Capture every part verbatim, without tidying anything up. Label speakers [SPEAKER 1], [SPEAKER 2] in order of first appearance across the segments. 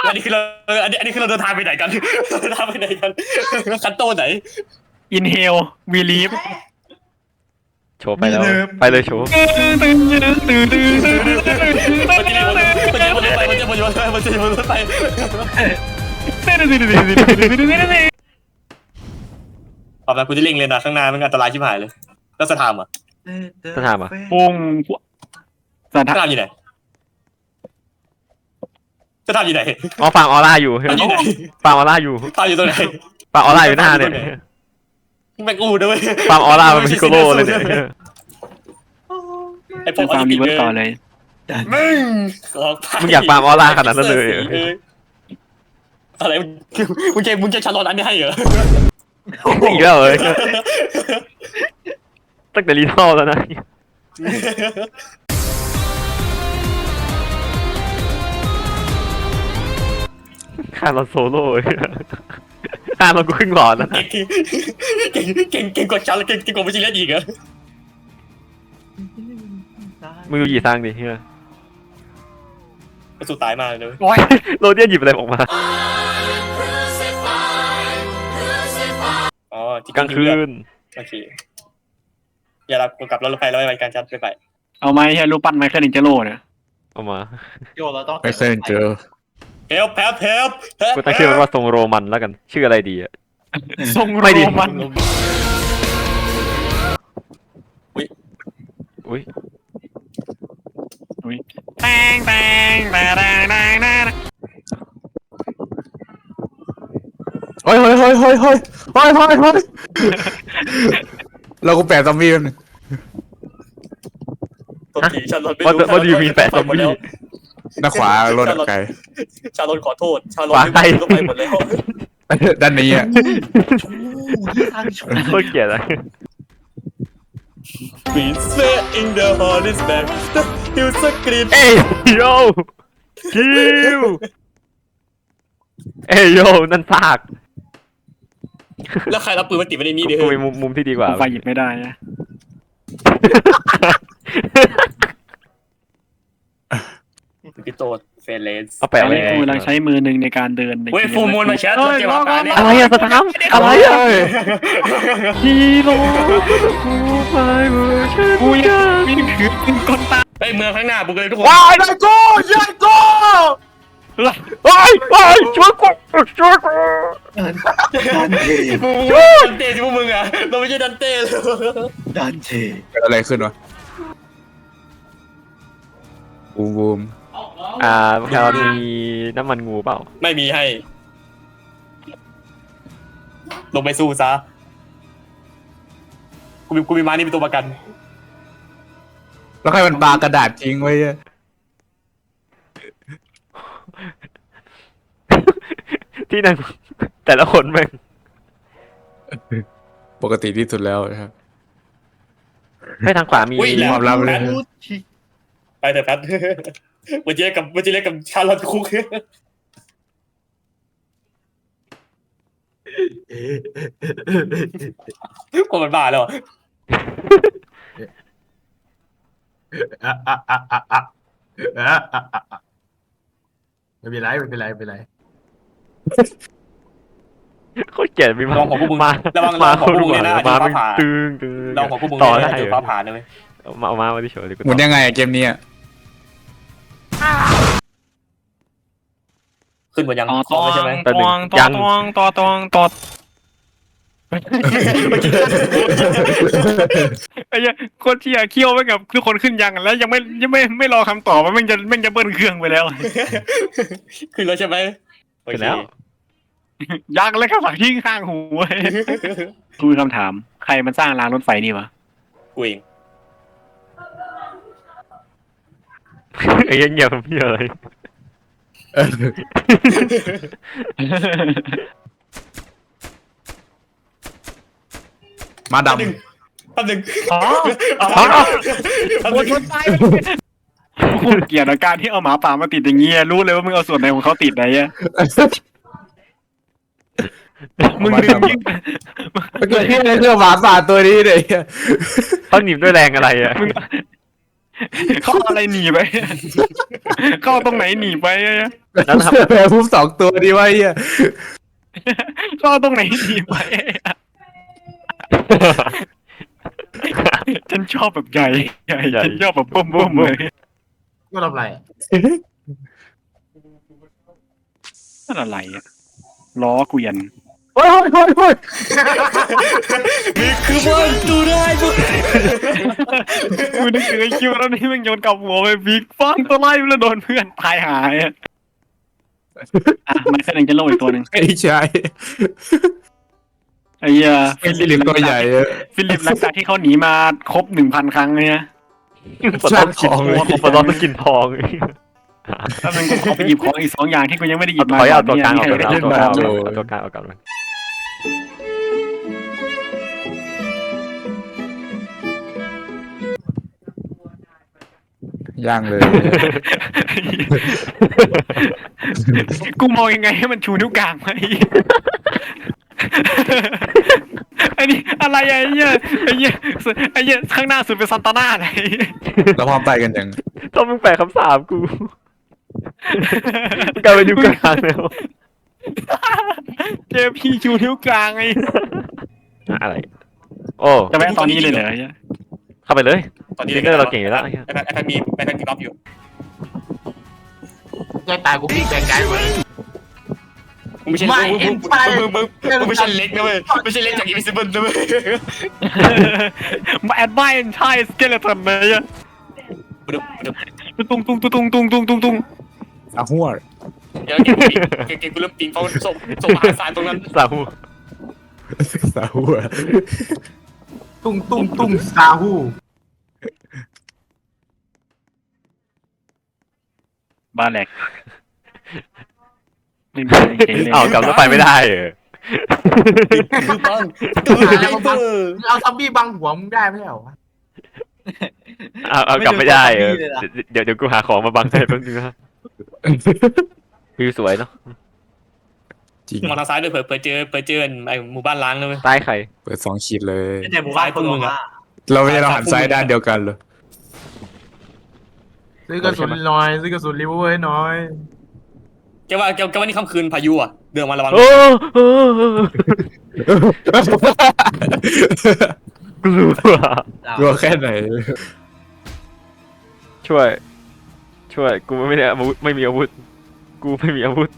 [SPEAKER 1] อันนี้คือเราอันนี้อันนี้คือเราเดินทางไปไหนกันเดินทางไปไหนกันคันโตไหน
[SPEAKER 2] อินเฮลวีลีฟ
[SPEAKER 3] โชว์ไปแล้วไปเลยโชว์
[SPEAKER 1] มันจะมันจะมันจะไปมันจะมันจะมันจะมันจะไปตอนนั้นกูจะเล่งเลยนะข้างหน้ามันอันตรายชิบหายเลยแล้วสถามอ่ะ
[SPEAKER 3] จะถามอ่ะ
[SPEAKER 2] ปุ่งส
[SPEAKER 1] ส
[SPEAKER 2] ถา
[SPEAKER 1] ถามอยู่ไหนสถามอยู่ไหน
[SPEAKER 3] อ๋อฟาร์มออร่าอยู่
[SPEAKER 1] มันอยู่ไหน
[SPEAKER 3] ฟาร์มออร่าอยู่
[SPEAKER 1] สถามอยู่ตรงไหน
[SPEAKER 3] ฟาร์มออร่าอยู่หน้าเนี่ย
[SPEAKER 1] แม่งอูด้วย
[SPEAKER 3] ฟาร์มออร่ามันพิโกโลเลยเนี่ย
[SPEAKER 1] ไอ้พว
[SPEAKER 2] เป็
[SPEAKER 1] ก
[SPEAKER 2] นฟาร์มรีเวิร์สต่อเลย
[SPEAKER 1] มึง
[SPEAKER 3] มึงอยากฟาร์มออร่าขนาดนั้นเลย
[SPEAKER 1] อะไรมึงเกมมึงจะชาร์ลอตอันนี้ให้เหรอ
[SPEAKER 3] อีกแล้วเลยตั้งแต่รีทอลแล้วนะฆ่าเราโซโล่ฆ่าเรากูครึ่งหลอดแล้วนะ
[SPEAKER 1] เก่งเก่งเก่งกว่าชาร์ลเก่งเก่งกว่าวิจิเลตอีกเหรอ
[SPEAKER 3] มึงดูหยีสร้างดิเฮีย
[SPEAKER 1] สู้ตายมากเลย
[SPEAKER 2] โอ้ย
[SPEAKER 3] โรเดียนหยิบอะไรออกมา
[SPEAKER 1] อ๋อก
[SPEAKER 3] ลางคืน
[SPEAKER 1] โอเคอย่ารับกลับรถไฟแล้วไปการชัดไปไป
[SPEAKER 2] เอาไหมแค่รูปปั้นไมเคิลอินเจโร่เนี่ย
[SPEAKER 3] เอามา
[SPEAKER 4] โยเราต้อง
[SPEAKER 5] ไม่เคยเจอ
[SPEAKER 1] เฮลแพลเฮล
[SPEAKER 3] กูตั้งชื่อมันว่าทรงโรมันแล้วกันชื่ออะไรดีอะ
[SPEAKER 2] ทรง
[SPEAKER 3] ไม่ดี
[SPEAKER 2] โรมัน
[SPEAKER 1] อุ้ย
[SPEAKER 3] อุ้ย
[SPEAKER 2] อุ้ยแตงแตงแตงแตงแตงแตง
[SPEAKER 5] เฮ้ยเฮ้ยเฮ้ยเฮ้ยเฮ้ยเฮ้ยเฮ้ยเฮ้ยเรากูแปะซอมบี้มัน
[SPEAKER 1] ตัวผีชาร์ลอตไม่
[SPEAKER 3] ว่า
[SPEAKER 1] รู้
[SPEAKER 3] ว่าดีมีแปะซอมบี้
[SPEAKER 5] หน้าขวารถไกล
[SPEAKER 1] ชาร์ลอตขอโทษชาร์ลอตไม่รู้ไปหมดแล้ว
[SPEAKER 5] ด้านนี้อ่ะ
[SPEAKER 3] โคตรเกลียดเลย
[SPEAKER 1] We say in the hall is back you scream
[SPEAKER 3] เอ้ยโยคิวเอ้ยโยนั่นซาก
[SPEAKER 1] แล้วใครรับปืนมาติดไว้ในนี้ดิ
[SPEAKER 3] กูมีมุมมุมที่ดีกว่า
[SPEAKER 2] ไฟหยิบไม่ได้นะ
[SPEAKER 1] พี่โตดเฟรเลส
[SPEAKER 3] เอาแปะ
[SPEAKER 2] อัน
[SPEAKER 3] ไว้
[SPEAKER 2] นี้กูกำลังใช้มือหนึ่งในการเดินใน
[SPEAKER 1] เว้ยฟูมูลมาแชทตัวเจ้าป่าเนี่ย
[SPEAKER 3] อะไรอะสตาร์มอะไรอะฮีโร่กูไปเวอร์ชัน
[SPEAKER 2] กูยังมีถือปืนกลตา
[SPEAKER 1] เฮ้ยเมืองข้างหน้าบุกเลยทุกคน
[SPEAKER 5] ว้ายได้กูยัยกู
[SPEAKER 3] ไอ้ไอ้ช่วยกูช่วยกู
[SPEAKER 4] ดันเท
[SPEAKER 1] มึงดันเต้ที่พวกมึงอ่ะเราไม่ใช่ดันเต้เลย
[SPEAKER 4] ดันเท
[SPEAKER 5] เกิดอะไรขึ้นวะบูมบูม
[SPEAKER 3] อ่าเรามีน้ำมันงูเปล่า
[SPEAKER 1] ไม่มีให้ ลงไปสู้ซะกูมีกูมีม้านี่เป็นตัวประกัน
[SPEAKER 5] แล้วใครมันปากระดาษทิ้งไว้อะ
[SPEAKER 3] ที่นั่งแต่ละคนแม่ง
[SPEAKER 5] ปกติที่สุดแล้วนะครับ
[SPEAKER 3] ให้ทางขวามี
[SPEAKER 1] อุ้ยแหล
[SPEAKER 5] ความลับเลย
[SPEAKER 1] ไปเถอะแพทวันจีเล็กกับวันจีเล็กกับชาร์ลอตคุกคนมันบ้าแล้วอ่ะ
[SPEAKER 4] ไม่เป็นไรไม่เป็นไรไม่เป็นไร
[SPEAKER 3] โคตรเกลียดมีมา
[SPEAKER 1] ลองของพวกมึง
[SPEAKER 3] มา
[SPEAKER 1] ระวัง
[SPEAKER 3] มา
[SPEAKER 1] ของพวกมึงเนี่ยนะ
[SPEAKER 3] มา
[SPEAKER 1] ฟ้า
[SPEAKER 3] เป็น
[SPEAKER 1] ผ่า
[SPEAKER 3] ตึงตึง
[SPEAKER 1] เราของพวกมึง
[SPEAKER 3] ต่อ
[SPEAKER 1] เนี่ย
[SPEAKER 3] ได้
[SPEAKER 1] เจอฟ้าผ่าเลย
[SPEAKER 3] เอามาเอามามาที่เฉยเลยกู
[SPEAKER 5] หมุนยังไงอะเกมนี้อะ
[SPEAKER 1] ขึ้นบนยัง
[SPEAKER 2] ต่อ
[SPEAKER 1] คอไม่ใช่ไหม
[SPEAKER 2] ตองต่อตองต่อตองต่อไอ้เหี้ยโคตรเชี่ยเคี่ยวไปกับทุกคนขึ้นยังแล้วยังไม่ยังไม่ไม่รอคำตอบว่าแม่งจะแม่งจะเบิ้ลเครื่องไปแล้ว
[SPEAKER 1] ขึ้นแล้วใช่ไหม
[SPEAKER 3] เสร็จแล้ว
[SPEAKER 2] ยักษ์เลยครับทิ้งข้างหูเว้ยกูมีคำถามใครมันสร้างรางรถไฟนี่วะ
[SPEAKER 1] กูเอง
[SPEAKER 3] ไอ้ยังเงียบเงียบเลย
[SPEAKER 5] เออมาด
[SPEAKER 1] แป๊บนึงแป๊บนึง
[SPEAKER 2] อ๋อ
[SPEAKER 1] แป๊บนึง
[SPEAKER 2] กูเกลียดอาการที่เอาหมาป่ามาติดอย่างเงี้ยรู้เลยว่ามึงเอาส่วนไหนของเขาติดไหนอะ
[SPEAKER 5] ำ
[SPEAKER 2] มึงลืมยิ่ง
[SPEAKER 5] เกิดที่อะไรเรื่องหมาป่าตัวนี้เลย
[SPEAKER 3] เขาหนีบด้วยแรงอะไรอ่ะ
[SPEAKER 2] มึงเขาเอาอะไรหนีไปเขาเอาตรงไหนหนีไปอะ
[SPEAKER 3] แล้วนะครับ
[SPEAKER 5] แพ้พุ่มสองตัวดีวะไอ้เหี้ย
[SPEAKER 2] เขาเอาตรงไหนหนีไปอะฉันชอบแบบใหญ่ใหญ่ฉันชอบแบบบ้มๆเลย
[SPEAKER 4] ก็ทำไรอะ
[SPEAKER 2] นั่นอะไรอะล้อเกวียน
[SPEAKER 5] โอ้ยโอ้ยโอ้ยโอ้ย
[SPEAKER 1] นี่คือมันดูได้ด้วย
[SPEAKER 2] กูนึกถึงไอ้คิวแล้วนี่มันโยนกับหัวไปบิ๊กฟังตัวไล่แล้วโดนเพื่อนตายหายอะอ่ะมันแสดงจะโลอีกตัวหนึ่ง
[SPEAKER 5] ไอ้ชาย
[SPEAKER 2] ไอ้เหี้ย
[SPEAKER 5] ไอ้ลิมตัวใหญ่อะ
[SPEAKER 2] ฟิลิปหลังจากที่เขาหนีมาครบหนึ่งพันครั้งเนี่ย
[SPEAKER 3] ปลดล็อกกินทองปลดล็อกต้องกินทอง
[SPEAKER 2] แล้วมันก็ขอไปหยิบของอีกสองอย่างที่กูยังไม่ได้หยิบมา
[SPEAKER 3] ถอยเอาตัวกลางออก
[SPEAKER 2] ก่
[SPEAKER 3] ก่อน
[SPEAKER 2] น
[SPEAKER 3] เอา
[SPEAKER 2] เนี่ย
[SPEAKER 3] ตัวกลางเอาตัวกลางเอาตัวกลางเอาก่อน
[SPEAKER 5] ย่างเลย
[SPEAKER 2] กูมองยังไงให้มันชูนิ้วกลางไว้ไอ้นี่อะไรอะไอ้เหี้ยไอ้เหี้ยไอ้เหี้ยข้างหน้าสุดเป็นซันตาน่าไหน
[SPEAKER 5] แล้วพร้อมไปกันยัง
[SPEAKER 3] ต้องมึงแปลคำสาปกูมึงกลายเป็นนิ้วกลางแล้ว
[SPEAKER 2] เจอพี่ชูนิ้วกลางไง
[SPEAKER 3] อะไรโอ้
[SPEAKER 2] จะแวะตอนนี้เลยเหรอไอ้เหี้ย
[SPEAKER 3] เข้าไปเลย
[SPEAKER 1] ตอนนี้
[SPEAKER 3] ซิงเกอร์เราเก่งอยู่แล้ว
[SPEAKER 1] ไอ้แพทไอ้แพทมีไอ้แพทมีล็อกอยู่
[SPEAKER 4] แกตายกูพี่แกงไกลหมด
[SPEAKER 1] มึงไม่ใช่
[SPEAKER 4] ไม่
[SPEAKER 1] มึง
[SPEAKER 4] เอ็
[SPEAKER 1] มึ
[SPEAKER 4] น
[SPEAKER 1] ง
[SPEAKER 4] ไป
[SPEAKER 1] มึงมึงมึงไม่ใช่เล็กนะเว้ยไม่ใช่เล็กจากอินวิซิเบิลนะเว้ย
[SPEAKER 2] มาแอดไวน์ใช่สเกเลตันเลยอะตุ้งตุ้งตุ้งตุ้งตุ้งตุ้งตุ้งตุ้ง
[SPEAKER 5] อาหัว
[SPEAKER 1] เดี๋ยวเก่งเก่งเก่งกูเริ่มปิงเขาส่งส่งมหาศาลตรงนั้น
[SPEAKER 3] สาหู
[SPEAKER 5] สาหัว
[SPEAKER 4] ตุ้งตุ้งตุ้งซาฮู
[SPEAKER 2] บ้าแหลกไม่มีอะไรเห็นเลย
[SPEAKER 3] อ้าวกลับรถไฟไม่ได้เออ
[SPEAKER 1] คือปังตัวไอ้เบอร์
[SPEAKER 4] มึงเอาซัมบี้บังหัวมึงได้ไหมเหรอวะ
[SPEAKER 3] เอาเอากลับไม่ได้เออเดี๋ยวเดี๋ยวกูหาของมาบังให้แป๊บนึงนะวิวสวยเนาะ
[SPEAKER 5] จริง
[SPEAKER 1] มองทางซ้ายด้วยเผื่อเผื่อเจอเผื่อเจอไอ้หมู่บ้านล้างนะเว้ย
[SPEAKER 3] ใต้ใคร
[SPEAKER 5] เปิดสองขีดเลย
[SPEAKER 4] แต่หมู่บ้านคนมึงอะ
[SPEAKER 5] เราไม่ได้เราหันซ้ายด้านเดียวกันเลย
[SPEAKER 4] ซื้อกระสุนหน่อยซื้อกระสุนรีเวอร์ให้หน่อย
[SPEAKER 1] แกว่าแกแกว่านี่ค่ำคืนพายุอ่ะเดินมาระวัง
[SPEAKER 3] โอ้โอ้กลัว
[SPEAKER 5] กลัวแค่ไหน
[SPEAKER 3] ช่วย ช่วยกูไม่ได้อาวุธไม่มีอาวุธ กูไม่มีอาวุธ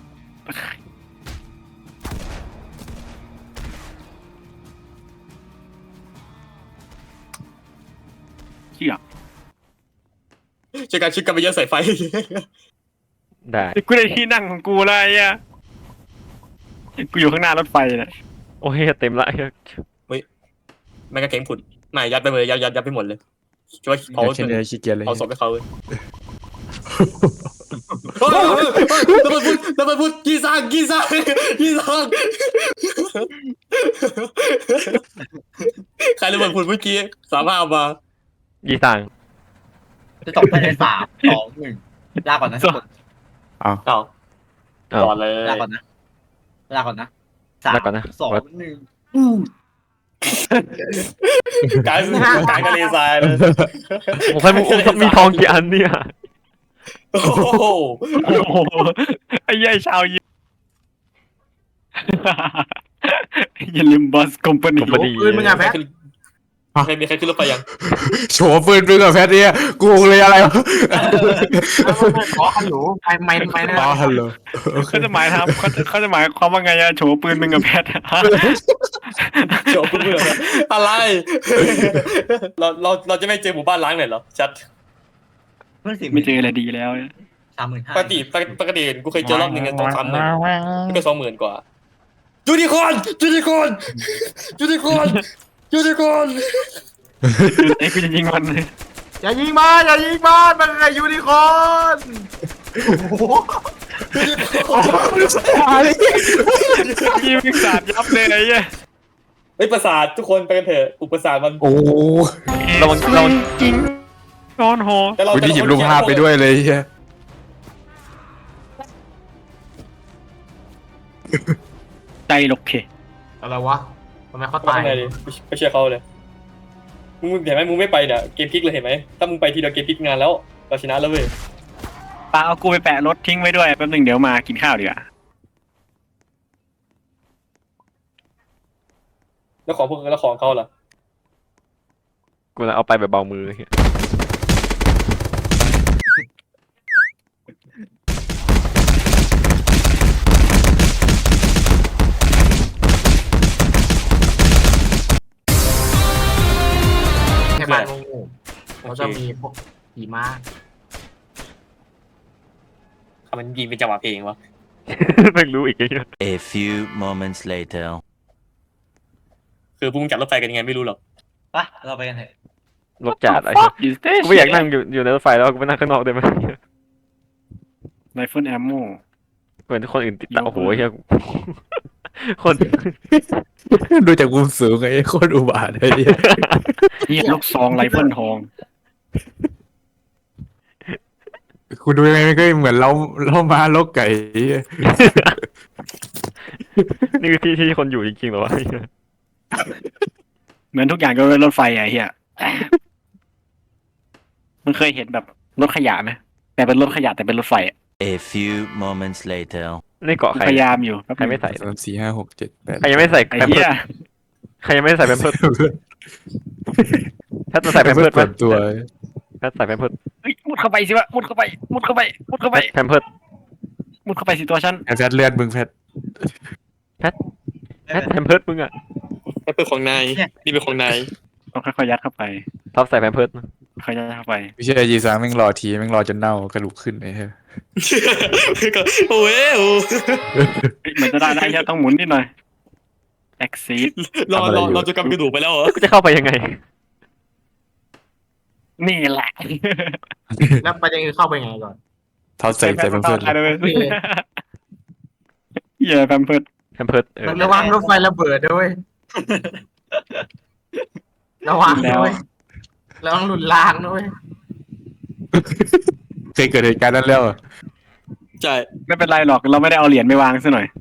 [SPEAKER 2] เชี่ย
[SPEAKER 1] ช่วยกันชิดกันไปเยอะใส่ไฟ
[SPEAKER 3] ได้
[SPEAKER 2] กูได้ที่นั่งของกูแล้วไอ้เหี้ยกูอยู่ข้างหน้ารถไฟนะ
[SPEAKER 3] โอ้ยเต็มละ
[SPEAKER 1] แม่งก็เข็งผุดไม่ยัดไปเลยยัดยัดยัดไปหมดเลยช่วยเผา
[SPEAKER 5] เช่นเดียวขี้เกียจเลย
[SPEAKER 1] เผาศพให้เขาเลยระเบิดพุดระเบิดพุดกีซังกีซังกีซังใครระเบิดพุดเมื่อกี้สามารถเอามา
[SPEAKER 3] ยี่ตัง
[SPEAKER 4] จะตกภายในสามสองหนึ่งลาก่อนนะ
[SPEAKER 1] เอาก่อนเลย
[SPEAKER 4] ลาก่อนนะลาก่อนนะสาม
[SPEAKER 3] แล้วก่อนนะ
[SPEAKER 4] สองหนึ่ง
[SPEAKER 1] กายกายทะเลทรายเลย
[SPEAKER 3] ผมให้มึงคงมีทองกี่อันเนี่ย
[SPEAKER 1] โอ้โห
[SPEAKER 2] โอ้โหไอ้เหี้ยไอ้ชาวยิปอย่าลืมบอสคอมพานี
[SPEAKER 3] พอดี
[SPEAKER 4] ปืนมึงอะแพท
[SPEAKER 1] ใครมีใครขึ้นรถไปยัง
[SPEAKER 5] โฉบปืนปืนกับแพทเนี่ยกูเลยอะไรวะ
[SPEAKER 4] ขอฮัลโหลไปไม่ไม่นะ
[SPEAKER 5] อ๋อฮัลโหล
[SPEAKER 2] เขาจะหมายทำเขาจะเขาจะหมายความว่าไงอะโฉปืนมึงกับแพท
[SPEAKER 1] โจบเบื่ออะไรเราเราเราจะไม่เจอหมู่บ้านล้างเลยเหรอชัด
[SPEAKER 2] ไม่เจออะไรดีแล้ว
[SPEAKER 4] สามหมื่นห้า
[SPEAKER 1] ปกติปกติกูเคยเจอรอบหนึ่งสองสามหมื่นนี่ก็สองหมื่นกว่ายูนิคอร์นยูนิคอร์นยูนิคอร์นยูนิคอร์น
[SPEAKER 2] ไอ้กูจะยิงมัน
[SPEAKER 4] อย่ายิงมาอย่ายิงมามันอะไรยูนิคอร์น
[SPEAKER 2] ยิงมึงสาดยับเลยไอ้เหี้ย
[SPEAKER 1] เฮ้ยประสาททุกคนไปกันเถอะอุปสรรคมัน
[SPEAKER 5] โอ้
[SPEAKER 3] ระวังระวัง
[SPEAKER 2] จริงนอนหอ
[SPEAKER 1] แต่เรา
[SPEAKER 5] วันนี้หยิบรูปภาพไปด้วยเลยเฮีย
[SPEAKER 2] ใจหลกเพ
[SPEAKER 4] อะไรวะทำไมเขา
[SPEAKER 1] ตา
[SPEAKER 4] ตาย ย
[SPEAKER 1] ไงดิไม่เชื่อเขาเลยมึงเห็นไหมมึงไม่ไปเนี่ยเกมพลิกเลยเห็นไหมถ้ามึงไปทีเดียวเกมพลิกงานแล้วเราชนะแล้วเว้ย
[SPEAKER 2] ปาเอากูไปแปะรถทิ้งไว้ด้วยแป๊บหนึงเดี๋ยวมากินข้าวดีกว่า
[SPEAKER 1] แล้วของพวกแล้วของเขาล่ะ
[SPEAKER 3] กูจะเอาไปแบบเบามือเหี้ย
[SPEAKER 4] แค่บ้านโง่ๆเขาจะมีพวกขี่ม้า
[SPEAKER 1] ทำมันยิงเป็นจังหวะเพลงวะ
[SPEAKER 3] แม่งรู้อีกไอ้เหี้ย
[SPEAKER 6] A few moments later.
[SPEAKER 1] คือพวกมึงจัดรถไฟกันยังไงไม่รู้หรอก
[SPEAKER 7] ไปเราไปกันเถอะ
[SPEAKER 3] รถจัดไอ้
[SPEAKER 2] Fuck
[SPEAKER 3] เหี้ย
[SPEAKER 2] you station
[SPEAKER 3] กูไม่อยากนั่งอยู่อยู่ในรถไฟแล้วกูไปนั่งข้างนอกได้ไหม
[SPEAKER 2] ไรเฟิลแอมโม
[SPEAKER 3] เหมือนคนอื่นติดตามโอ้โหเหี้ยคน
[SPEAKER 5] ดูจากมุมสูงไอ้โคตรอุบาทไอ้เหี้ย
[SPEAKER 2] เฮียลูกซองไรเฟิลทอง
[SPEAKER 5] กูดูยังไงมันก็เหมือนเราเรามาลกไก่ไอ้เหี้ย
[SPEAKER 3] นี่คือที่ที่คนอยู่จริงๆเหรอวะ
[SPEAKER 2] เหมือนทุกอย่างก็เป็นรถไฟอะเฮียมันเคยเห็นแบบรถขยะไหมแต่เป็นรถขยะแต่เป็นรถไฟอะ
[SPEAKER 6] A few moments later.
[SPEAKER 3] ในเกาะใคร
[SPEAKER 2] พยายามอยู่
[SPEAKER 3] ใครไม่ใส่
[SPEAKER 5] สามสี่ห้าหกเจ็ดแปด
[SPEAKER 3] ใครยังไม่ใส่
[SPEAKER 2] ไอ้
[SPEAKER 3] แพม
[SPEAKER 2] เฮี
[SPEAKER 3] เพิร์
[SPEAKER 2] ย
[SPEAKER 3] สใครยังไม่ใส่แพมเพิร์สถ้าจะใส่แพมเพิร์ส
[SPEAKER 5] เปิดตัว
[SPEAKER 3] ถ้าใส่แพมเพิร์ส
[SPEAKER 2] เฮ้ยมุดเข้าไปสิวะมุดเข้าไปมุดเข้าไปมุดเข้าไป
[SPEAKER 3] แพมเพิร์ส
[SPEAKER 2] มุดเข้าไปสิตัวฉัน
[SPEAKER 5] แพทเลือดมึงแพท
[SPEAKER 3] แพทแพมเพิร์สมึงอ่ะ
[SPEAKER 1] นั่นเป็นของนายนี่เป็นของนาย
[SPEAKER 2] ต้องค่อยๆยัดเข้าไป
[SPEAKER 3] ท็อปใส่แพมเพิร์ส
[SPEAKER 2] ค่อยๆยัดเข้าไป
[SPEAKER 5] ไม่ใช่ยีซังแม่งรอทีแม่งรอจนเน่ากระดูกขึ้นไอ้เหี้ย
[SPEAKER 1] โอ้ยโอ้
[SPEAKER 2] เฮ้ยเหมือนจะได้ได้แค่ต้องหมุนนิดหน่อย exit
[SPEAKER 1] รอรอเราจะกำกระดูกไปแล้วเหรอ
[SPEAKER 3] กูจะเข้าไปยังไง
[SPEAKER 2] นี่แหละ
[SPEAKER 4] แล้วประเด็นคือเข้าไปไงก่อน
[SPEAKER 5] เท้าใส่ใส่เพื่อน
[SPEAKER 2] ตายเลยเหี้ยแพมเพิร์ด
[SPEAKER 3] แพมเพิร์สเออ
[SPEAKER 4] ระวังรถไฟระเบิดด้วยระวังด้วยระวังหลุดรางด้วย
[SPEAKER 5] เคยเกิดเหตุการณ์นั้นแล้วอะ
[SPEAKER 1] ใช่
[SPEAKER 2] ไม่เป็นไรหรอกเราไม่ได้เอาเหรียญไปวางซะหน่อย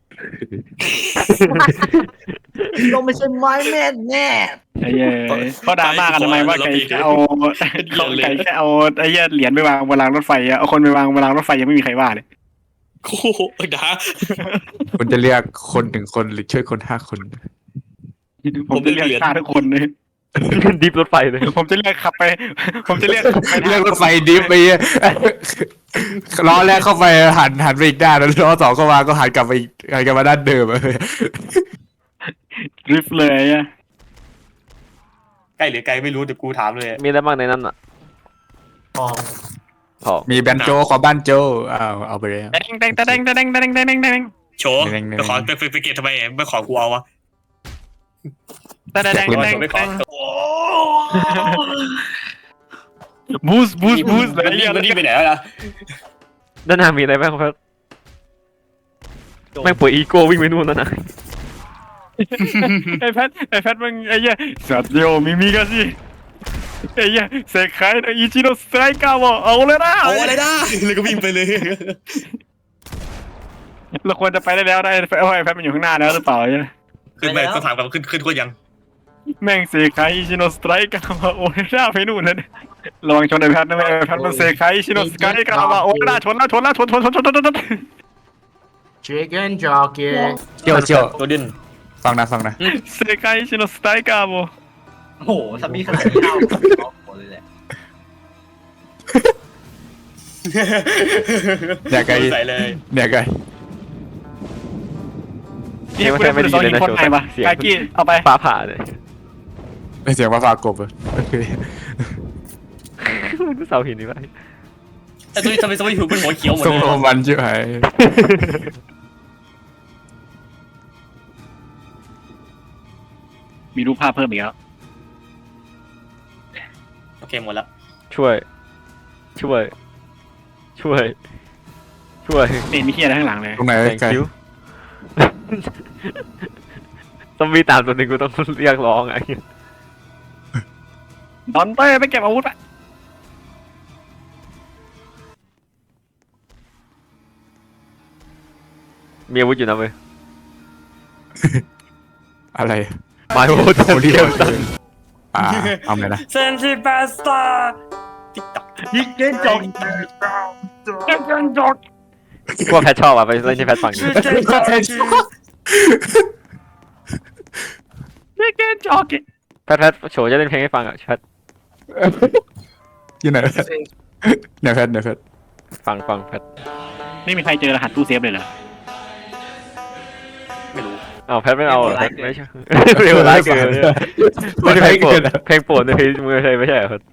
[SPEAKER 4] ต้องไม่ใช่ไม้แม่แน่
[SPEAKER 2] ไอ้เหี้ยเขาด่ามากันทำไมว่าไก่แค่เอาเขาไก่แค่เอาไอ้เหี้ยเหรียญไปวางบนรางรถไฟอะเอาคนไปวางบนรางรถไฟยังไม่มีใครว่าเลย
[SPEAKER 1] โอ้โหด่า
[SPEAKER 5] คุณจะเรียกคนหนึ่งคนหรือช่วยคนห้าคน
[SPEAKER 2] ผมจะเรียกฆ่าทุกคนเลย
[SPEAKER 3] ดิฟรถไฟเลย
[SPEAKER 2] ผมจะเรียกขับไป ผมจะเรียกขับไป
[SPEAKER 5] เรียกรถไฟดิฟไปเหี้ยล้อแรกเข้าไปหันหันไปอีกด้านแล้วล้อสองเข้ามาก็หันกลับไปอีกหันกลับมาด้านเดิมอะ
[SPEAKER 2] ริฟเลยอะ
[SPEAKER 1] ใกล้หรือไกลไม่รู้เดี๋ยวกูถามเลย
[SPEAKER 3] มีอะไรบ้างในนั้นอ่ะ
[SPEAKER 4] พอ
[SPEAKER 3] พอ
[SPEAKER 5] มีแบนโจขอบ้านโจอ้าวเอาไปเลย
[SPEAKER 2] แดงแดงแดงแดงแดงแดงแดงแดงแดง
[SPEAKER 1] โชว์ไปขอไปไปเก็บทำไมไม่ขอกูเอาวะ
[SPEAKER 2] แดงแดงแดงแดง
[SPEAKER 1] ไม่ขอ
[SPEAKER 2] บูสบูสบูส
[SPEAKER 1] มันนี่มันนี่ไปไหนแล้วล่ะ
[SPEAKER 3] ด้านหน้ามีอะไรบ้างครับแม่งป่วยอีโก้วิ่งไปนู่นแล้วนะ
[SPEAKER 2] ไอ้แพทไอ้แพทมึงไอ้เหี้ยสัตว์เดียวมิมิกันสิไอ้เหี้ยเซคไคโนอิจิโนสไตรกาวะเอาเลยนะ
[SPEAKER 1] เอาอะไรได้แล้วก็วิ่งไปเลย
[SPEAKER 2] เราควรจะไปได้แล้วได้ไอ้แพทมันอยู่ข้างหน้าแล้วหรือเปล่าเนี่ย
[SPEAKER 1] ขึ้นไปต้องถามกันขึ้นขึ้นก็ยัง
[SPEAKER 2] แม่งเซคไคอิจิโนสไตรกาวะโอ้ยหน้าไปนู่นเลยระวังชนไอ้แพทนะไอ้แพทมันเซคไคอิจิโนสไตรกาวะโอ้ยหน้าชนแล้วชนแล้วชนชนชนชนชนชน
[SPEAKER 4] เชคเกนจอเก
[SPEAKER 5] เจียวเจียว
[SPEAKER 1] ตัวดิน
[SPEAKER 5] ฟังนะฟังนะ
[SPEAKER 2] เซคไคอิจิโนสไตรกาวะ
[SPEAKER 7] โอ้โหถ้ามีขนาดนี้เอาเอาหมดเลยแหละ
[SPEAKER 5] เนี่ยไกล
[SPEAKER 1] ใส่เลย
[SPEAKER 5] เนี่ยไกล
[SPEAKER 2] นี่ไม่ไม่ดีเลยนะโชว์ไกกี้เอาไป
[SPEAKER 3] ฟ้าผ่าเลย
[SPEAKER 5] ไม่เสียงว่าฟากบอะโอเค
[SPEAKER 3] มันก็เสาหินนี่ไป
[SPEAKER 1] ไอ้ตัวนี้ทำไมทำไมหูเป็นหัวเขียวหมด
[SPEAKER 5] ทรง
[SPEAKER 1] เลย
[SPEAKER 5] โรมันชิบหาย
[SPEAKER 2] มีรูปภาพเพิ่มอีกแล้ว
[SPEAKER 1] โอเคหมดแล้ว
[SPEAKER 3] ช่วย ช่วย ช่วย ช่วย
[SPEAKER 2] นี่มีเฮียอะไรข้างหลังเลย
[SPEAKER 5] ตรงไหน
[SPEAKER 3] thank
[SPEAKER 5] ไกล
[SPEAKER 3] you ต้องมีตามตัวหนึ่งกูต้องเรียกร้องไง
[SPEAKER 2] ดอนเต้ไปเก็บอาวุธไป
[SPEAKER 3] มีอาวุธอยู่นะเว้ย
[SPEAKER 5] อะไร
[SPEAKER 3] มาโอ้โห
[SPEAKER 5] โอ้เดียวอ่าเอาไงนะ
[SPEAKER 1] เซนซิปาสตาติ๊กต็อก
[SPEAKER 7] ยิงเล่นจง
[SPEAKER 3] พวกแพทชอบอ่ะไปเล่นที่แพทฟังอยู่
[SPEAKER 2] ไม่เกนจอก
[SPEAKER 3] แพทแพทโฉจะเล่นเพลงให้ฟังอ่ะแพท
[SPEAKER 5] อยู่ไหนไหนแพทไหนแพท
[SPEAKER 3] ฟังฟังแพท
[SPEAKER 2] ไม่มีใครเจอรหัสตู้เซฟเลยเหรอ
[SPEAKER 1] ไม่รู้
[SPEAKER 3] เอาแพทไม่เอาเหรอแพทไม่ใช่เร็วร้ายเกินไม่ใช่เพลงโปรดเพลงโปรดในเพลงมือใช่ไม่ใช่เหรอแพท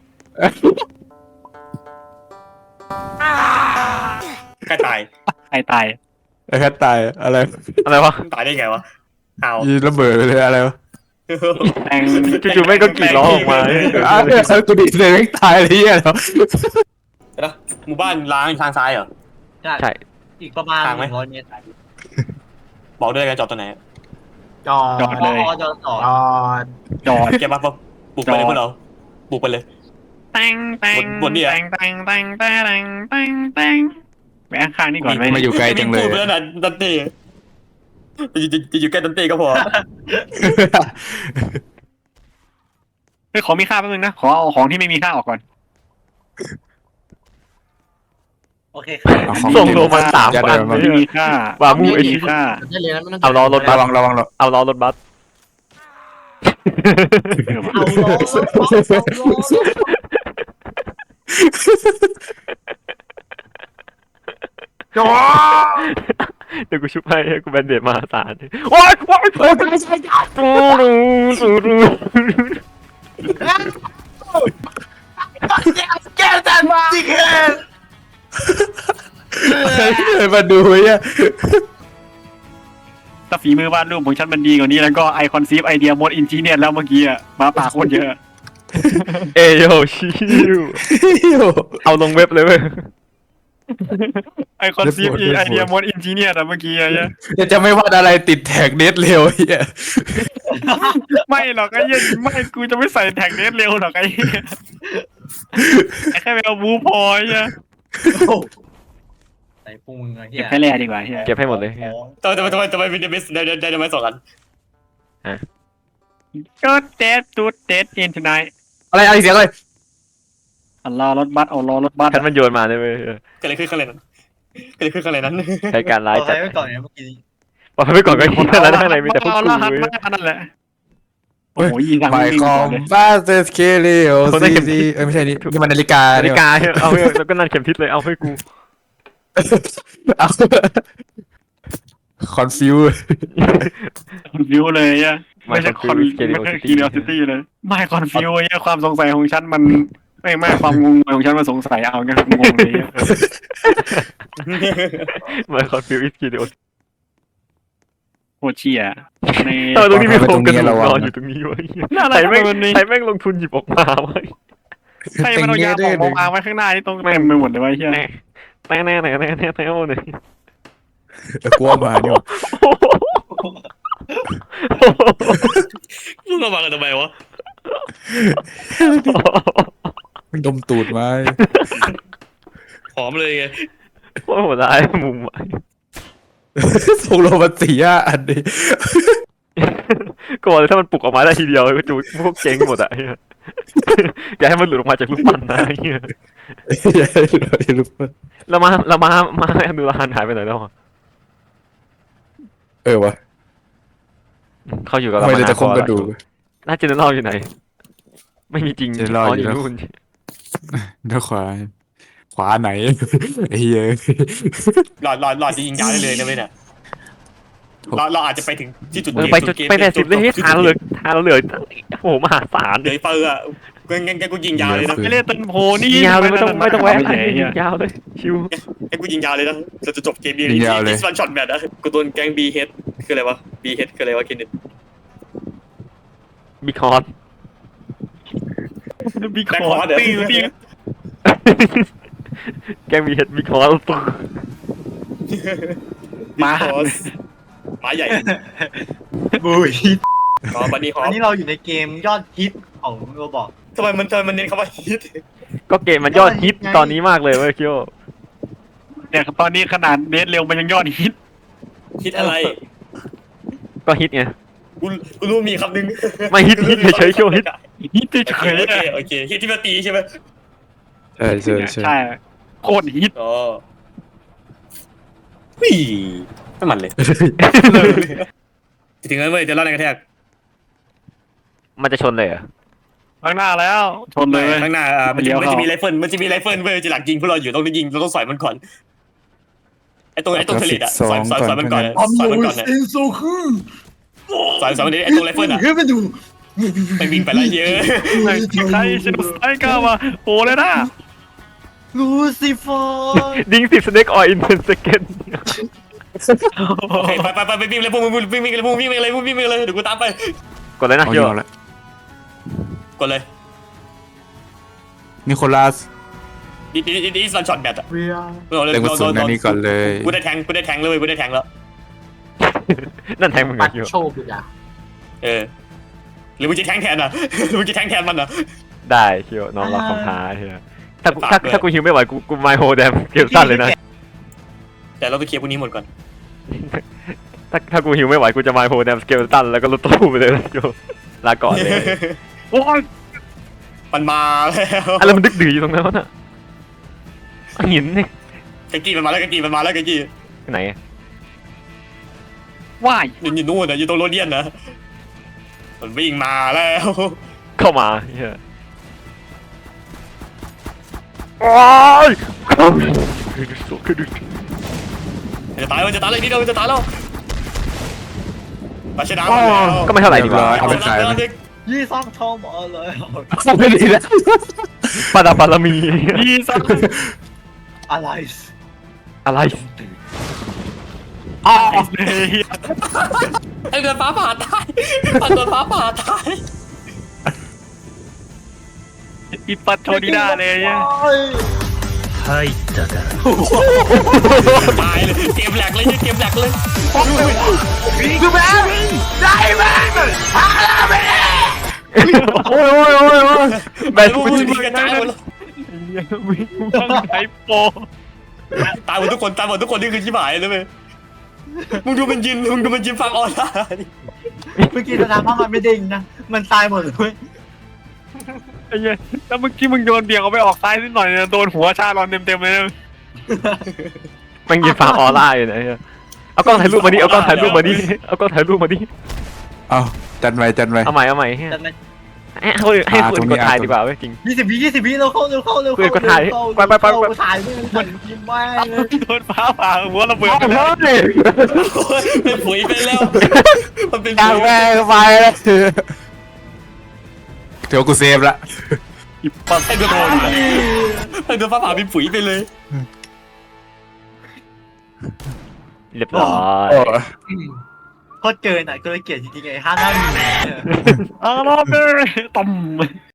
[SPEAKER 1] ใกล้ตาย
[SPEAKER 2] ใครตาย
[SPEAKER 5] ไอ้แพทตายอะไร
[SPEAKER 3] อะไรวะ
[SPEAKER 1] ตายได้ไงวะเอา
[SPEAKER 5] ยีระเบิดไปเลยอะไรวะ
[SPEAKER 2] แตง
[SPEAKER 3] จู่ๆแม่งก็กรีดร้องออกมา
[SPEAKER 5] อ้าวกูดิเลยไม่ตายเลยเหี้ยเหรอ
[SPEAKER 1] เดี๋ยวนะหมู่บ้านล้างทางซ้ายเหรอ
[SPEAKER 7] ใช่
[SPEAKER 3] ใช่
[SPEAKER 7] อีกประมาณ
[SPEAKER 1] ทางไหม
[SPEAKER 7] หนึ่งร้อยเมตร
[SPEAKER 1] บอกด้วยกันจอดตัวไหน
[SPEAKER 4] จอ
[SPEAKER 2] จอ
[SPEAKER 4] ด
[SPEAKER 2] ดเลย
[SPEAKER 7] พอจอดต่อ
[SPEAKER 4] จอด
[SPEAKER 2] จอด
[SPEAKER 1] เก็บมาปุ๊บปลุกไปเลยพวกเราปลุกไปเลย
[SPEAKER 2] แตงแตง
[SPEAKER 1] บนเนี่ย
[SPEAKER 2] แตงแตงแตงแตงแตงแตงแวะข้างนี่ก่อนไหม
[SPEAKER 5] มาอยู่ไกลจังเลย
[SPEAKER 1] พูดไปแล้วนะดันเต้จะอยู่จะอยู่ใกล้ดันเต้ก็พอ
[SPEAKER 2] เฮ้ยขอมีค่าแป๊บนึงนะขอเอาของที่ไม่มีค่าออกก่อน
[SPEAKER 7] โอเคครับ
[SPEAKER 5] เอาของ
[SPEAKER 3] ส่งโลมาสาม
[SPEAKER 5] ยัด
[SPEAKER 3] พัน
[SPEAKER 5] เลย
[SPEAKER 2] ไม่มีค่า
[SPEAKER 3] ว่ามูไอ้
[SPEAKER 2] ไม่มี
[SPEAKER 3] ที่
[SPEAKER 2] ค่า
[SPEAKER 4] ได้เลยนะไม่ต้อง
[SPEAKER 3] เอาล้อรถบั
[SPEAKER 5] ระ
[SPEAKER 3] ส
[SPEAKER 5] วังระวังระวัง
[SPEAKER 3] เอาล้อรถบัส
[SPEAKER 7] เอาล้อรถเอาล้อรถ
[SPEAKER 5] จอ
[SPEAKER 3] เดี๋ยวกูชุบให้กูแบนเดดมาสารว้ายว้ายว้ายตูรูตูรู
[SPEAKER 4] แก้จันมาจริงเลย
[SPEAKER 5] เลยมาดูเนี่ย
[SPEAKER 2] ถ้าฝีมือวาดรูปของฉันมันดีกว่านี้แล้วก็ไอคอนซีฟไอเดียมดอินจีเนียร์แล้วเมื่อกี้อะมาปากโคตรเยอะ
[SPEAKER 3] เอโยชิวเอาลงเว็บเลยเว้ย
[SPEAKER 2] ไอคอนซีฟไอเดียมดอินจีเนียร์อะเมื่อกี้อะเนี่ย
[SPEAKER 5] จะจะไม่วาดอะไรติดแท็กเน็ตเร็วเฮีย
[SPEAKER 2] ไม่หรอกไอ้เหี้ยไม่กูจะไม่ใส่แท็กเนสเร็วหรอกไอ้เหี้ยไอ้แค่ไปเอาบูพอไอ้เหี้ย
[SPEAKER 7] ใส่พุงอะเฮี
[SPEAKER 2] เก็บ
[SPEAKER 7] ย
[SPEAKER 2] แค่แร่ดีกว่าเหี้ย
[SPEAKER 3] เก็บให้หมดเลย
[SPEAKER 1] ทำไมทำไมทำไมทำไมวินเดอร์เบสได้ได้ได้ได้ไหมสองอัน
[SPEAKER 2] ก็เดดตูดเดดอินทนาย
[SPEAKER 5] อะไรอะไรเสียงเลย
[SPEAKER 2] อัลลอรถบัสเอาล้อรถบัส
[SPEAKER 3] แพทมันโยนมาเลยเว้ย
[SPEAKER 1] เกิดอะไรขึ้นข้างในนั้นเกิดอะไรขึ้นข้างในนั้น
[SPEAKER 3] ใช้การ
[SPEAKER 7] เอา
[SPEAKER 3] ร้าย
[SPEAKER 7] ใคร
[SPEAKER 3] จัด
[SPEAKER 7] ไว้ก่อนเนี่ยเมื่อกี้
[SPEAKER 3] ปล่อยไปก่อนก็คิดแล้วข้างในมีแต่พวก
[SPEAKER 2] เอา
[SPEAKER 3] กู
[SPEAKER 2] รหัส
[SPEAKER 3] เว้ย
[SPEAKER 2] มานั่นแหละโอ้โหยิงทาง
[SPEAKER 5] ไม
[SPEAKER 2] วิ่ง
[SPEAKER 5] ค
[SPEAKER 2] ก่
[SPEAKER 5] อ
[SPEAKER 2] อน
[SPEAKER 5] ม
[SPEAKER 2] เลย
[SPEAKER 5] บาสเตสเคเลโอซีซีเอ้ยไม่ใช่นี่นี่มันนาฬิกา
[SPEAKER 3] นาฬิ
[SPEAKER 5] เนี่ย
[SPEAKER 3] กาเอาแล้วก็นั่นเข็มทิศเลยเอาให้กู
[SPEAKER 5] คอนฟิว
[SPEAKER 2] คอนฟิวเลยอ่ะไม่ใช่คอนไม่ใช่คีเนอซิตี้เลยไม่คอนฟิวไอ้ความสงสัยของฉันมันไม่ไม่ความงงของฉันมันสงสัยเอางั้นงงเลย
[SPEAKER 3] มาคอนฟิวอิสกิเดโอ
[SPEAKER 2] โคตรเชี่ยใน
[SPEAKER 3] เออตรงนี้มีโครงกระดูกนอนอยู่ตรงนี้วะใครแม่งใครแม่งลงทุนหยิบออกมาวะ
[SPEAKER 2] ใครมันเอายาหมองมาวางไว้ข้างหน้านี่ตรงเต็มไปหมดเลยวะไอ้เหี้ย
[SPEAKER 3] แน่แน่แน่แน่แน่แน่แน่เลย
[SPEAKER 5] กลัวมาเนี่ย
[SPEAKER 1] มึงเอามากันทำไมวะ
[SPEAKER 5] มันดมตูดมา
[SPEAKER 1] หอมเลยไง
[SPEAKER 3] โอ้โหร้ายมุม
[SPEAKER 5] ส่งโลมาสี่ห้าอันนี้
[SPEAKER 3] ก็เลยถ้ามันปลุกออกมาได้ทีเดียวก็จูพวกเจ๊งหมดอ่ะอย่าให้มันหลุดออกมาจากลูกปั้นนะเฮียแล้วมาแล้วมามาแอมดูลานหายไปไหนแล้ว
[SPEAKER 5] เออวะ
[SPEAKER 3] เขาอยู่กับ
[SPEAKER 5] ทำ
[SPEAKER 3] เรา
[SPEAKER 5] ไม
[SPEAKER 3] มา
[SPEAKER 5] เราจะคงกระดูก
[SPEAKER 3] น่าจะเนออยู่ไหน ไม่มีจริง
[SPEAKER 5] เจนรออยู่
[SPEAKER 3] อยู่
[SPEAKER 5] นะ
[SPEAKER 3] นู่น
[SPEAKER 5] ด้านขวา ขวาไหนไอ้เหี้ย
[SPEAKER 1] หลอดหลอดหลอดจะยิงยาวได้เลยนะเว้ยเนี่ยเราเราอาจจะไปถึงที่จุด
[SPEAKER 3] เออ
[SPEAKER 1] เกม
[SPEAKER 3] ไปจุดไปแปดสิบเลยที่ทางเราเหลือทางเราเหลือโอ้โหมหาศาล
[SPEAKER 1] เหลือไอ้เปอร์อะงั้นงั้นงั้นกูยิงยาวเลยนะ
[SPEAKER 2] ไม่เล่นต้นโพนี่
[SPEAKER 3] ยิงยาวเลยไม่ต้องไม่ต้องแวะ
[SPEAKER 2] ไม่ใช่
[SPEAKER 3] ยิงยาวเลยชิว
[SPEAKER 1] งั้นกูยิงยาวเลยนะเราจะจบเกมนี้ที่ที่วันช็อตแมตช์นะกูโดนแก๊งบีเฮดคืออะไรวะบีเฮดคืออะไรวะเคนเนต
[SPEAKER 3] มีคอน
[SPEAKER 2] มีคอร์ตีตี
[SPEAKER 3] แกมีเห็ดมีคอน
[SPEAKER 1] มาฮอสหมาใหญ่
[SPEAKER 7] บุย
[SPEAKER 1] อ๋อบันนี่ฮอ
[SPEAKER 7] อัน
[SPEAKER 1] ส
[SPEAKER 7] นี้เราอยู่ในเกมยอดฮิตของโรบอก
[SPEAKER 1] ทำไมมันทำไมมันเน้นคำว่าฮิต
[SPEAKER 3] ก็เกมมันยอดฮิตตอนนี้มากเลยเว้ยคิโอ
[SPEAKER 2] เนี่ยตอนนี้ขนาดเดทเร็วมันยังยอดฮิต
[SPEAKER 1] ฮิตอะไร
[SPEAKER 3] ก็ฮิตไง
[SPEAKER 1] กูกูรู้มีคำนึง
[SPEAKER 3] ไม่ฮิตฮิตเฉยๆคิโอฮิต
[SPEAKER 2] ฮิตเฉ
[SPEAKER 1] โอเค
[SPEAKER 2] ย
[SPEAKER 1] โอ
[SPEAKER 2] ๆ
[SPEAKER 1] เค
[SPEAKER 2] อะ
[SPEAKER 1] โอเคฮิตที่มาตีใช่ไหม
[SPEAKER 5] ใช่ใช่ใช่
[SPEAKER 2] ใช่โคตรฮิต
[SPEAKER 1] อ๋อวิ่ไม่มันเลยถึงนั้นเว้ยจะรอดในกระแทก
[SPEAKER 3] มันจะชนเลยเหรอ
[SPEAKER 2] ข้างหน้าแล้วชนเลย
[SPEAKER 1] ข้างหน้าอ่ามัน
[SPEAKER 2] เลี้
[SPEAKER 1] จะ
[SPEAKER 2] ยว
[SPEAKER 1] มัน
[SPEAKER 2] เข้า
[SPEAKER 1] จะมีไรเฟิลมันจะมีไรเฟิลเว้ยจะหลักยิงพวกเราอยู่ต้องยิงเราต้องสอยมันก่อนไอ้ตรงไอ้ตรงเทเลตอะสอยสอยสอยมันก่อนอะสอยมันก่อนอะ
[SPEAKER 4] อินโซคือ
[SPEAKER 1] สอยสอยมันดิไอ้ตรงไรเฟิลอะ
[SPEAKER 4] เฮ้ยไปดู
[SPEAKER 1] ไปวิ่งไปแล้วเยอะ
[SPEAKER 2] ใครเชนไซก้ามาโผล่เลยนะ
[SPEAKER 4] ลูซิเฟอร์
[SPEAKER 3] ดิงสิบสเน็กออยอินเทนเซกัน
[SPEAKER 1] โอเคไปไปไปไปวิ่งเลยพวกมึงวิ่งวิ่งเลยพวกมึงวิ่งไปเลยพวกมึงวิ่งไปเลยเดี๋ยวกูตามไป
[SPEAKER 3] กดเลยนะ
[SPEAKER 5] เอา
[SPEAKER 3] โย
[SPEAKER 5] อยู่แล้ว
[SPEAKER 1] กดเลย
[SPEAKER 5] นิโคลัส
[SPEAKER 1] ดิดิดิดิสวันช็อตแบตอะ
[SPEAKER 4] เวีย
[SPEAKER 5] เต็มกระสุนอันนี้ก่อนเลย
[SPEAKER 1] กูได้แทงกูได้แทงเลยกูได้แทงแล้ว
[SPEAKER 3] นั่นแทงมึง
[SPEAKER 4] ปั
[SPEAKER 3] อะ
[SPEAKER 4] ด
[SPEAKER 3] โย
[SPEAKER 4] โชคดีอ่ะ
[SPEAKER 1] เออหรือมึงจะแทงแทนอ่ะหรือมึงจะแทงแทนมันอ่ะ
[SPEAKER 3] ได้โยน้องรับคำท้าเฮียถ้ากูถ้าถ้ากูฮิวไม่ไหวกูกูไมโฮแดมเกมสั้นเลยนะ
[SPEAKER 1] แต่เราไปเคลียร์พวกนี้หมดก่อน
[SPEAKER 3] ถ้าถ้ากูฮิวไม่ไหวกูจะไมโฮแดมสเกลตันแล้วก็ลดตู้ไปเลยโยลาก่อนเลย
[SPEAKER 2] โอ้ย
[SPEAKER 1] มันมาแล้ว
[SPEAKER 3] อะไรมันดึกดื้ออยู่ตรงนั้นวะน่ะหินนี่
[SPEAKER 1] กะกี้มันมาแล้วกะกี้มันมาแล้วกะกี้
[SPEAKER 3] ไหนอะ
[SPEAKER 2] ว่าย
[SPEAKER 1] อยู่อยู่นู่นนะอยู่ตรงโรเดียนนะมันวิ่งมาแล้ว
[SPEAKER 3] เข้ามาเฮียโอ้ย
[SPEAKER 1] จะตายมันจะตายเลยนี่เราจะตายแล้วมาชนะแล้ว
[SPEAKER 3] ก็ไม่เท่าไหร่ดีกว่า
[SPEAKER 5] เอาไปขายไหม
[SPEAKER 7] ยี่ซ่องทองมาเลย
[SPEAKER 5] ไม่ดีนะ
[SPEAKER 3] ปาดาปารามี
[SPEAKER 2] ดีสัก
[SPEAKER 7] อะไร
[SPEAKER 3] อะไร
[SPEAKER 2] อ้าวเลย
[SPEAKER 1] ไอ้เดือนฟ้าผ่าตายปันเดือนฟ้าผ่าตาย
[SPEAKER 2] อีปัดโชดีด้าเลยเนี่ย
[SPEAKER 1] ตายเลยเกมแหลกเลยเกมแหลกเลย
[SPEAKER 4] คือแม่ได้แม่
[SPEAKER 3] โอ้ยโอ้ยโอ้ยโอ้ย
[SPEAKER 1] แบนพวกมึงกระจายหมดเลย
[SPEAKER 2] วิ่งต้องไทโป
[SPEAKER 1] ตายหมดทุกคนตายหมดทุกคนนี่คือชิบหายเลยเว้ยมึงดูมันยินมึงดูมันยินฟังออนไลน์
[SPEAKER 7] เมื่อกี้แสดงว่ามันไม่ดิ่งนะมันตายหมดเลย
[SPEAKER 2] ไอ้เหี้ยแล้วเมื่อกี้มึงโดนเบี่ยงเอาไปออกซ้ายนิดหน่อยเนี่ยโดนหัวชาลอนเต็มๆเลยนะ
[SPEAKER 3] มันยิงฟาร์มออร่าอยู่ไหนอะเอากล้องถ่ายรูปมาดิเอากล้องถ่ายรูปมาดิเอากล้องถ่ายรูปมาดิ
[SPEAKER 5] เอาจันไว้จันไว้
[SPEAKER 3] เอาใหม่เอาใหม่เฮีย
[SPEAKER 7] แต่มัน
[SPEAKER 3] ให้ให้ให้คนกดถ่ายดีกว่าเว้ยจริง
[SPEAKER 7] ยี่สิบวิยี่สิบวิเราเข้าเร็วเข้าเร็ว
[SPEAKER 3] เพื่อนก็ถ่ายไปไปไปไป
[SPEAKER 7] ถ่ายไม่ทันยิ้มไม่เลย
[SPEAKER 2] โดนฟ้าผ่าหัวระเบิดไปแล้ว
[SPEAKER 1] เป็นผุยไปแล้วมันเป็น
[SPEAKER 5] จั
[SPEAKER 1] ผุ
[SPEAKER 5] ง
[SPEAKER 1] ย
[SPEAKER 5] แม่ไปแล้วเดี๋ยวกูเซฟละ
[SPEAKER 2] อีปัด
[SPEAKER 1] ให้เดือนโดนให้เดือนฟ้าผ่าเป็นผุยไปเลย
[SPEAKER 3] เรียบร้อย
[SPEAKER 5] โอ้
[SPEAKER 7] โคตรเกินอ่ะเกินเกลียดจริงๆไอ้ห้าหน้าหมี
[SPEAKER 2] อ้าวรอบเลยต่ำ